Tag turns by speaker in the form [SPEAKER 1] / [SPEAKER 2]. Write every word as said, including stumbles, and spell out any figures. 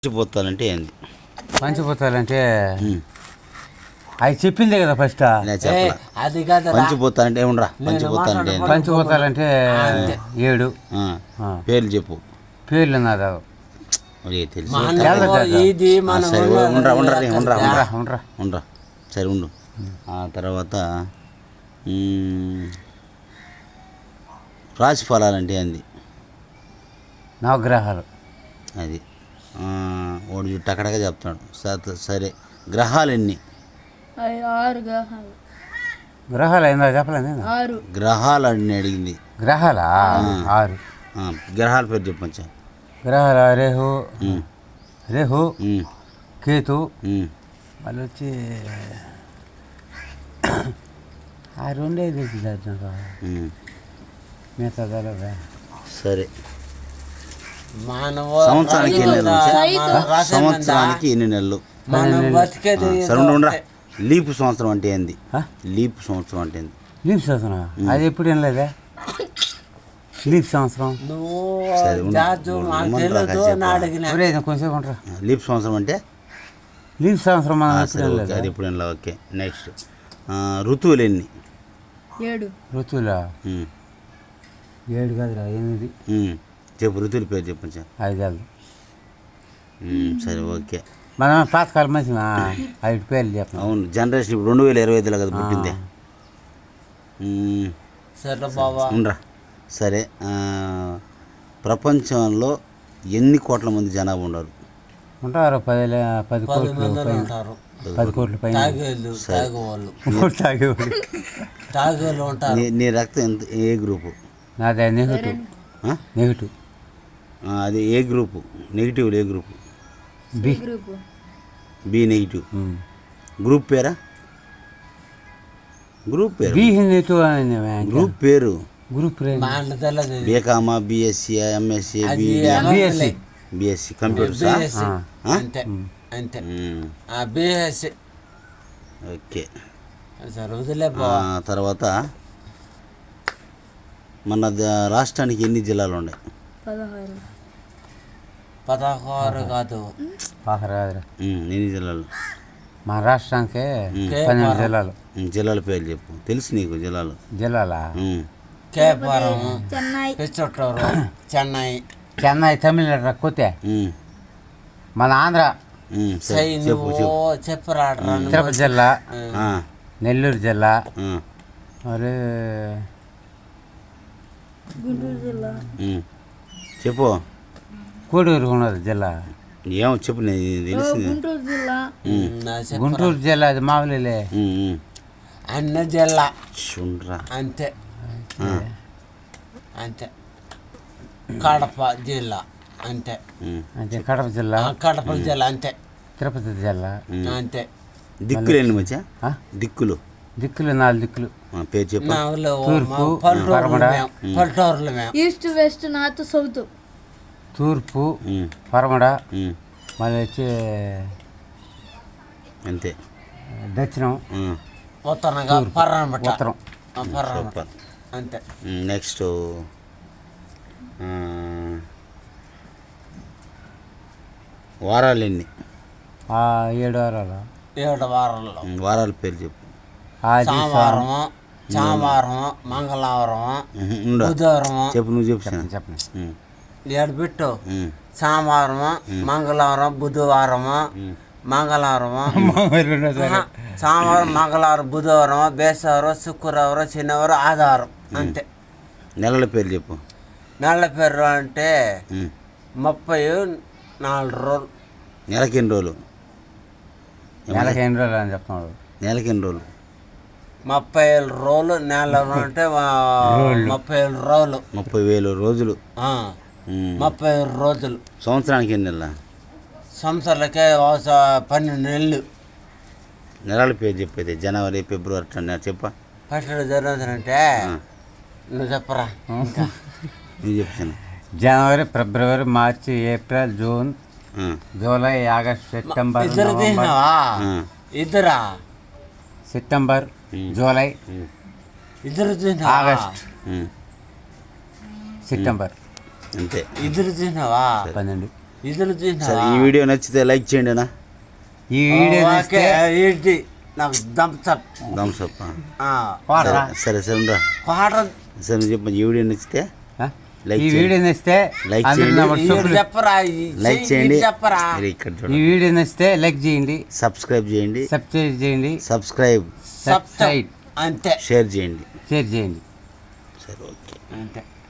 [SPEAKER 1] పంచిపోతాలంటే ఏంది?
[SPEAKER 2] పంచిపోతాలంటే అవి చెప్పిందే కదా ఫస్ట్.
[SPEAKER 1] అది కాదు. పంచిపోతాలంటే ఉండరా? పంచిపోతాలంటే
[SPEAKER 2] పంచిపోతాలంటే ఏడు
[SPEAKER 1] పేర్లు చెప్పు.
[SPEAKER 2] పేర్లు నాదా
[SPEAKER 1] తెలుసు. ఉండరా ఉండరా ఉండరా ఉండరా ఉండరా ఉండరా సరే ఉండు. ఆ తర్వాత రాశి ఫలాలంటే ఏంది?
[SPEAKER 2] నవగ్రహాలు.
[SPEAKER 1] అది వాడు టకటగా చెప్తున్నాడు. సరే గ్రహాలు ఎన్ని?
[SPEAKER 3] ఆరు గ్రహాలు.
[SPEAKER 2] గ్రహాలు అయిందా చెప్పలేదు.
[SPEAKER 3] ఆరు
[SPEAKER 1] గ్రహాలు అని అడిగింది.
[SPEAKER 2] గ్రహాలా? ఆరు.
[SPEAKER 1] గ్రహాల పేరు చెప్పచ్చా?
[SPEAKER 2] గ్రహాల రేహు రేహు కేతు మళ్ళీ వచ్చి ఆ రెండే తెలిసి మిగతా తెలవదా?
[SPEAKER 1] సరే సంవత్సరానికి ఎన్ని నెలలు? సంవత్సరానికి ఎన్ని నెలలు? సరే ఉండరా. లీపు సంవత్సరం అంటే ఏంది? లీప్ సంవత్సరం అంటే ఏంది?
[SPEAKER 2] లీప్ సంవత్సరం అది ఎప్పుడు ఏం లేదా? లీప్ సంవత్సరం కొంచెం ఉంటారా?
[SPEAKER 1] లీప్ సంవత్సరం అంటే
[SPEAKER 2] లీప్ సంవత్సరం
[SPEAKER 1] అది ఎప్పుడు ఏం లేదు. ఓకే నెక్స్ట్ ఋతువులు ఎన్ని?
[SPEAKER 3] ఏడు.
[SPEAKER 2] ఋతువులా? ఏడు కాదురా ఎనిమిది.
[SPEAKER 1] చెప్పు ఋతువుల పేరు చెప్పచ్చు.
[SPEAKER 2] ఐదు.
[SPEAKER 1] సరే ఓకే.
[SPEAKER 2] మనం పాతకాలం మంచి ఐదు పేర్లు చెప్పాం.
[SPEAKER 1] అవును జనరేషన్ ఇప్పుడు రెండు వేల ఇరవై ఐదులో కదా పుట్టిందే. ఉండరా. సరే ప్రపంచంలో ఎన్ని కోట్ల మంది జనాభా ఉన్నారు?
[SPEAKER 2] ఉంటారు పది పది కోట్లు పది కోట్ల పైన.
[SPEAKER 1] నీ రక్తం ఎంత ఏ గ్రూపు?
[SPEAKER 2] నాదే నెగిటివ్. నెగిటివ్
[SPEAKER 1] అది ఏ గ్రూపు? నెగిటివ్ ఏ group?
[SPEAKER 2] B.
[SPEAKER 1] B negative. Group పేరా? గ్రూప్ పేరు
[SPEAKER 2] బి నెగిటివ్.
[SPEAKER 1] గ్రూప్ పేరు
[SPEAKER 2] గ్రూప్
[SPEAKER 1] బీకామా BSc MSc
[SPEAKER 2] BSc
[SPEAKER 1] BSc computers. Okay తర్వాత మన రాష్ట్రానికి ఎన్ని జిల్లాలు ఉన్నాయి?
[SPEAKER 3] పదహారు.
[SPEAKER 4] పదహారు కాదు
[SPEAKER 1] ఎన్ని జిల్లాలు?
[SPEAKER 2] మన రాష్ట్రానికి పన్నెండు జిల్లాలు.
[SPEAKER 1] జిల్లాల పేర్లు చెప్పు. తెలుసు నీకు జిల్లాలు?
[SPEAKER 2] జిల్లాలా?
[SPEAKER 4] కేపారం, పిచ్చోట్టూరు, చెన్నై.
[SPEAKER 2] చెన్నై తమిళనాడు కొత్త. మన ఆంధ్ర తిరుపతి జిల్లా, నెల్లూరు జిల్లా, మరి
[SPEAKER 3] గుంటూరు జిల్లా.
[SPEAKER 1] చెప్పు.
[SPEAKER 2] కోడూరు ఉన్నది జిల్లా.
[SPEAKER 1] ఏమో చెప్పు. తెలిసింది
[SPEAKER 3] గుంటూరు జిల్లా.
[SPEAKER 2] గుంటూరు జిల్లా అది మామూలులే.
[SPEAKER 4] అన్న జిల్లా
[SPEAKER 1] చూడరా
[SPEAKER 4] అంతే అంతే. కడప జిల్లా అంతే
[SPEAKER 2] అంతే. కడప జిల్లా
[SPEAKER 4] కడప జిల్లా అంతే.
[SPEAKER 2] తిరుపతి జిల్లా
[SPEAKER 4] అంతే.
[SPEAKER 1] దిక్కులు ఎన్ని మధ్య? దిక్కులు
[SPEAKER 2] దిక్కులు నాలుగు దిక్కులు.
[SPEAKER 1] పేరు చెప్పు.
[SPEAKER 2] తూర్పు పరమడ.
[SPEAKER 4] పల్లెటూరులు మేము
[SPEAKER 3] ఈస్ట్ వెస్ట్ నార్త్ సౌత్.
[SPEAKER 2] తూర్పు పరమడ మళ్ళీ వచ్చి
[SPEAKER 1] అంతే.
[SPEAKER 2] దక్షిణం
[SPEAKER 4] ఉత్తరంగా పర్రనబట్ట.
[SPEAKER 2] ఉత్తరం
[SPEAKER 4] అంతే.
[SPEAKER 1] నెక్స్ట్ వారాలు ఎన్ని?
[SPEAKER 2] ఏడు వారాలు.
[SPEAKER 4] ఏడు వారాలు.
[SPEAKER 1] వారాల పేరు చెప్పు.
[SPEAKER 4] సోమవారము, సోమవారం, మంగళవారం, బుధవారం.
[SPEAKER 1] చెప్పు. నువ్వు చెప్పు.
[SPEAKER 2] చెప్పండి.
[SPEAKER 4] ఏడు పెట్టు. సోమవారము, మంగళవారం, బుధవారము, మంగళవారము, సోమవారం, మంగళవారం, బుధవారం, బేసవారం, శుక్రవారం, శనివారం, ఆదివారం అంతే.
[SPEAKER 1] నెలల పేరు చెప్పు.
[SPEAKER 4] నెలల పేరు అంటే ముప్పై నాలుగు రోజులు.
[SPEAKER 1] నెలకి ఎన్ని రోజులు?
[SPEAKER 2] నెలకి ఎన్ని రోజులు అని చెప్తున్నాడు.
[SPEAKER 1] నెలకి ఎన్ని రోజులు?
[SPEAKER 4] ముప్పై ఏళ్ళు రోజులు. నెల అంటే ముప్పై ఏళ్ళు రోజులు.
[SPEAKER 1] ముప్పై వేలు రోజులు.
[SPEAKER 4] ముప్పై ఏడు రోజులు.
[SPEAKER 1] సంవత్సరానికి ఎన్ని నెలల?
[SPEAKER 4] సంవత్సరాలకే పన్నెండు నెలలు.
[SPEAKER 1] నెలల పేరు చెప్పేది జనవరి ఫిబ్రవరి అట్లా చెప్పా.
[SPEAKER 4] ఫస్ట్ జరుగుతుందంటే నువ్వు చెప్పరా.
[SPEAKER 1] నువ్వు చెప్తాను.
[SPEAKER 2] జనవరి ఫిబ్రవరి మార్చి April June July August September.
[SPEAKER 4] ఇద్దరు తీసినావా? ఇద్దరా?
[SPEAKER 2] సెప్టెంబర్ జూలై
[SPEAKER 4] ఇద్దరు
[SPEAKER 2] ఆగస్ట్ సెప్టెంబర్
[SPEAKER 1] అంతే.
[SPEAKER 4] ఇద్దరు తీసినావా?
[SPEAKER 2] పన్నెండు.
[SPEAKER 4] ఇద్దరు
[SPEAKER 1] సరే ఈ వీడియో నచ్చితే లైక్ చేయండి అన్న.
[SPEAKER 2] ఈ వీడియో
[SPEAKER 4] ఓకే ఏంటి నాకు దంపచప్
[SPEAKER 1] థమ్స్ అప్.
[SPEAKER 2] వాడరా.
[SPEAKER 1] సరే సరే ఉండరా.
[SPEAKER 4] క్వార్టర్
[SPEAKER 1] సరే నువ్వు చెప్పు ఈ వీడియో నచ్చితే లైక్
[SPEAKER 2] ఈ వీడియో నచ్చితే
[SPEAKER 1] లైక్
[SPEAKER 2] అందరూ
[SPEAKER 1] చేయండి.
[SPEAKER 2] నా వాట్సాప్లో-
[SPEAKER 4] చెప్పరా
[SPEAKER 1] లైక్ చేయండి.
[SPEAKER 4] చెప్పరా
[SPEAKER 1] మీరు ఇక్కడ
[SPEAKER 2] ఈ
[SPEAKER 1] చూడండి.
[SPEAKER 2] వీడియో నచ్చితే లైక్ చేయండి,
[SPEAKER 1] సబ్స్క్రైబ్ చేయండి.
[SPEAKER 2] సబ్స్క్రైబ్ చేయండి,
[SPEAKER 1] సబ్స్క్రైబ్
[SPEAKER 2] సబ్స్క్రైబ్
[SPEAKER 4] అంతే
[SPEAKER 1] షేర్ చేయండి.
[SPEAKER 2] షేర్ చేయండి.
[SPEAKER 1] సరే ఓకే.
[SPEAKER 4] అంతే